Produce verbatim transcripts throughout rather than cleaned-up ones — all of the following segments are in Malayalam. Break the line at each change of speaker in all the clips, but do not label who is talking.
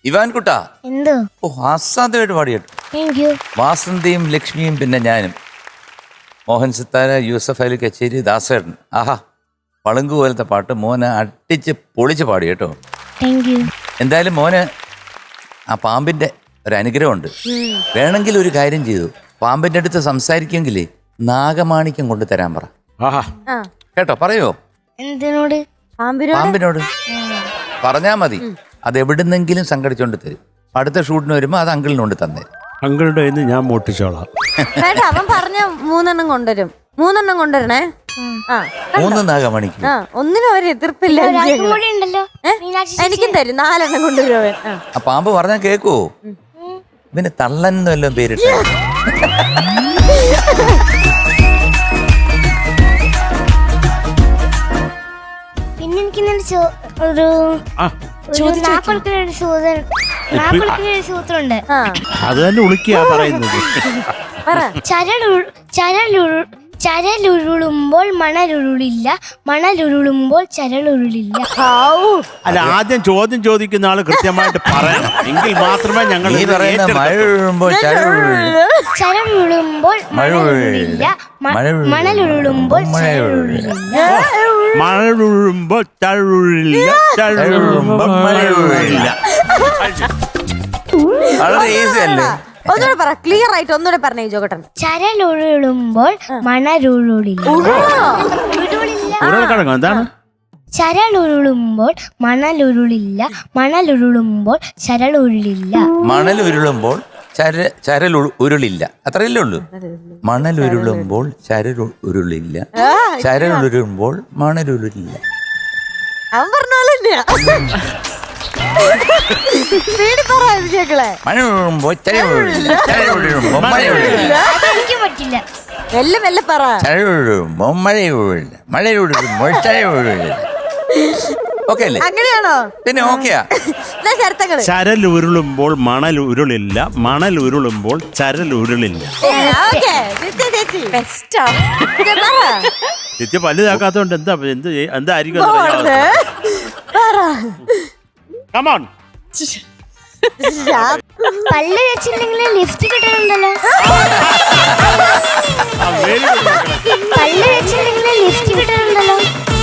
ഇവാൻ കുട്ടാ,
എന്തോ
ഓ അസാധ്യമായിട്ട് പാടിയിട്ടു. വാസന്തിയും ലക്ഷ്മിയും പിന്നെ ഞാനും, മോഹൻ സിത്താര, യൂസഫ് അലി കച്ചേരി, ദാസേട്ടൻ. ആഹാ, പളുങ്കു പോലത്തെ പാട്ട് മോനെ അട്ടിച്ച് പൊളിച്ച് പാടി കേട്ടോ. എന്തായാലും മോന് ആ പാമ്പിന്റെ ഒരു അനുഗ്രഹമുണ്ട്. വേണമെങ്കിൽ ഒരു കാര്യം ചെയ്തു, പാമ്പിന്റെ അടുത്ത് സംസാരിക്കുമെങ്കിൽ നാഗമാണിക്യം കൊണ്ട് തരാൻ പറ. കേട്ടോ, പറയോ?
എന്തിനോട്?
പാമ്പിനോട് പറഞ്ഞാ മതി, അത് എവിടുന്നെങ്കിലും സംഘടിച്ചോണ്ട് തരും. അടുത്ത ഷൂട്ടിന് വരുമ്പോ അത് അങ്കിളിനോട് തന്നെ.
അങ്കിളുടെ ഞാൻ മോട്ടിച്ചോളാം.
അവൻ പറഞ്ഞ മൂന്നെണ്ണം കൊണ്ടുവരും. മൂന്നെണ്ണം കൊണ്ടുവരണേ.
മൂന്ന് നാഗമണിക്ക്
ഒന്നിനും അവര് എതിർപ്പില്ല. എനിക്കും തരും നാലെണ്ണം കൊണ്ടുവരും അവൻ.
ആ പാമ്പ് പറഞ്ഞാ കേക്കുവോ? പിന്നെ തള്ളൻ വല്ലതും പേരിട്ട.
പിന്നെ എനിക്ക് ഒരു സൂത്രമുണ്ട്.
അത് തന്നെ ഉളുക്കിയാ പറയുന്നത്.
ചരലുരുളുമ്പോൾ മണലുരുളില്ല, മണലുരുളുമ്പോൾ ചരലുരുളില്ല.
അല്ല, ആദ്യം ചോദ്യം ചോദിക്കുന്ന ആള് കൃത്യമായിട്ട് പറയണം, എങ്കിൽ മാത്രമേ ഞങ്ങൾ
ചരലുരുളുമ്പോൾ മണലുരുളില്ല, മണലുരുളുമ്പോൾ ചരലുരുളില്ല.
മണലുരുളുമ്പോൾ ചരലുരുളില്ല, ചരലുരുളുമ്പോൾ മണലുരുളില്ല.
വളരെ ഈസി അല്ലേ?
ഒന്നുകൂടെ പറ, ക്ലിയർ ആയിട്ട് ഒന്നുകൂടെ പറഞ്ഞേ ജോകട്ടൻ.
ചരലുരുളുമ്പോൾ മണലുരുളില്ല.
എന്താണ്?
ചരലുരുളുമ്പോൾ മണലുരുളില്ല, മണലുരുളുമ്പോൾ ചരലുരുളില്ല.
മണലുരുളുമ്പോൾ ചര ചരൽ ഉരുളില്ല, അത്രയല്ലേ ഉള്ളൂ. മണലുരുളുമ്പോൾ ചരൽ ഉരുളില്ല, ചരലുരുളുമ്പോൾ മണലുരുളില്ല.
അവൻ പറഞ്ഞ പോലെ തന്നെയാ. മെല്ലെ മെല്ലെ പറ. അങ്ങനെയാണോ?
പിന്നെ ഓക്കെയാ.
ചരൽ ഉരുളുമ്പോൾ മണൽ ഉരുളില്ല, മണൽ ഉരുളുമ്പോൾ ചരൽ ഉരുളില്ല. ചേച്ചി വലുതാക്കാത്തോണ്ട് എന്താ എന്ത് എന്തായിരിക്കും?
പല്ല് വെച്ചിട്ടുണ്ടെങ്കിൽ ലിഫ്റ്റ് കിട്ടുന്നുണ്ടല്ലോ. പല്ല് വെച്ചിട്ടുണ്ടെങ്കിൽ ലിഫ്റ്റ് കിട്ടുന്നുണ്ടല്ലോ.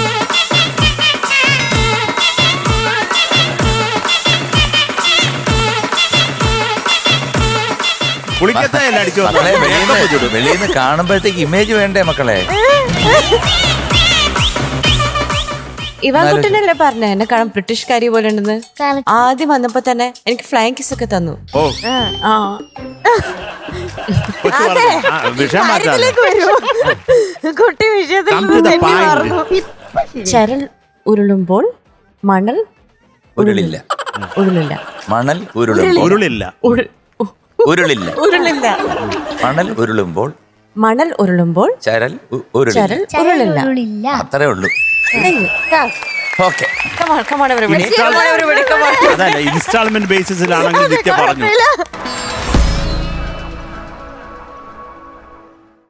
വെളിയിൽ നിന്ന് കാണുമ്പോഴത്തേക്ക് ഇമേജ് വേണ്ടേ മക്കളെ?
ഇവാൻ കുട്ടനല്ലേ പറഞ്ഞ എന്നെ കാണാൻ ബ്രിട്ടീഷുകാരി പോലെ ഉണ്ടെന്ന്. ആദ്യം വന്നപ്പോ തന്നെ എനിക്ക് ഫ്ലൈങ് കിസ് ഒക്കെ തന്നു.
കുട്ടി വിഷയത്തിൽ
ചരൽ ഉരുളുമ്പോൾ മണൽ
ഉരുളില്ല,
ഉരുളില്ല.
മണൽ ഉരുളുമ്പോൾ
ഉരുളില്ല,
ഉരുളില്ല,
ഉരുളില്ല.
മണൽ ഉരുളുമ്പോൾ
മണൽ ഉരുളുമ്പോൾ
ചരൽ
ചരൽ ഉരുളില്ല.
അത്രേ ഉള്ളൂ. ഓക്കെ,
ഇൻസ്റ്റാൾമെന്റ് ബേസിസിലാണെങ്കിൽ നിത്യ പറഞ്ഞു.